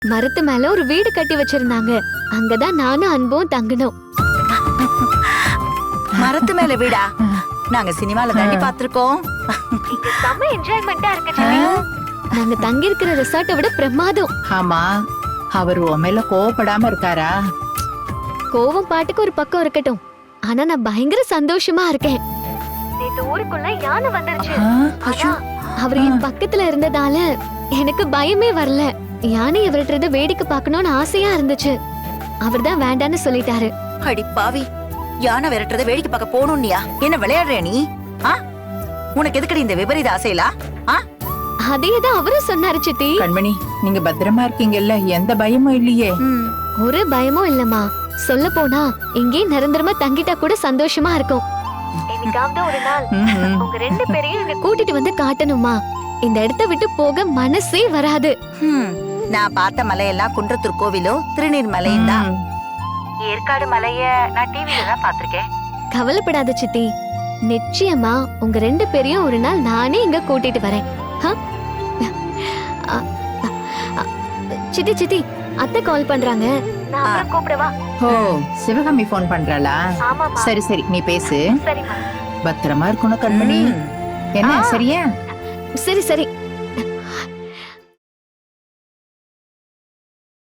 மரத்து மேல ஒரு வீடு கட்டி வச்சிருந்தாங்க. அங்கதான் நானும் அன்பும் தங்கணும். மரத்து மேல வீடா? நாங்க சினிமால தாண்டி பாத்திருக்கோம். செம்ம என்ஜாய்மெண்டா இருக்கு. நாங்க தங்கி இருக்கிற ரிசார்ட்டை விட பிரமாதம். ஆமா, அவர் உன் மேல கோவப்படாம இருக்காரா? கோவம் பாட்டுக்கு ஒரு பக்கம் இருக்கட்டும், ஆனா நான் பயங்கர சந்தோஷமா இருக்கேன். நேத்து ஊருக்குள்ள யானை வந்துருச்சு. அவர் என் பக்கத்துல இருந்ததால எனக்கு பயமே வரல. யானை விரட்டுறத வேடிக்கை பார்க்கணும்னு ஆசையா இருந்துச்சு. அவர்தான் வேண்டான்னு சொல்லிட்டாரு. அடி பாவி, யானை விரட்டுறத வேடிக்கை பார்க்க போகணும்னியா? என்ன விளையாடுற நீ? உனக்கு எதுக்கடி இந்த விபரீத ஆசையிலா? அதேதான் அவரும் சொன்னாரு சித்தி. கண்மணி, நீங்க பத்திரமா இருக்கீங்கல்ல? எந்த பயமும் இல்லையே? ஒரு பயமும் இல்லம்மா. சொல்ல போனா இங்கே நிரந்தரமா தங்கிட்டா கூட சந்தோஷமா இருக்கும். என்னைக்காவது ஒரு நாள் உங்க ரெண்டு பேரையும் இங்க கூட்டிட்டு வந்து காட்டணுமா? இந்த இடத்தை விட்டு போக மனசே வராது. நான் பார்த்த மலையெல்லாம் குன்றத்தூர் கோவிலும் திருநீர் மலையும் தான். ஏற்காடு மலைய நான் டிவில தான் பாத்திருக்கேன். கவலைப்படாத சித்தி, நிச்சயமா உங்க ரெண்டு பேரையும் ஒரு நாள் நானே இங்க கூட்டிட்டு வரேன். சித்தி சித்தி, அத்தை கால் பண்றாங்க. நான் கூப்பிடவா? ஓ, சிவகாமி போன் பண்றாளா? சரி சரி, நீ பேசு. பத்திரமா இருக்கணும் கண்மணி. என்ன சரியா? சரி சரி.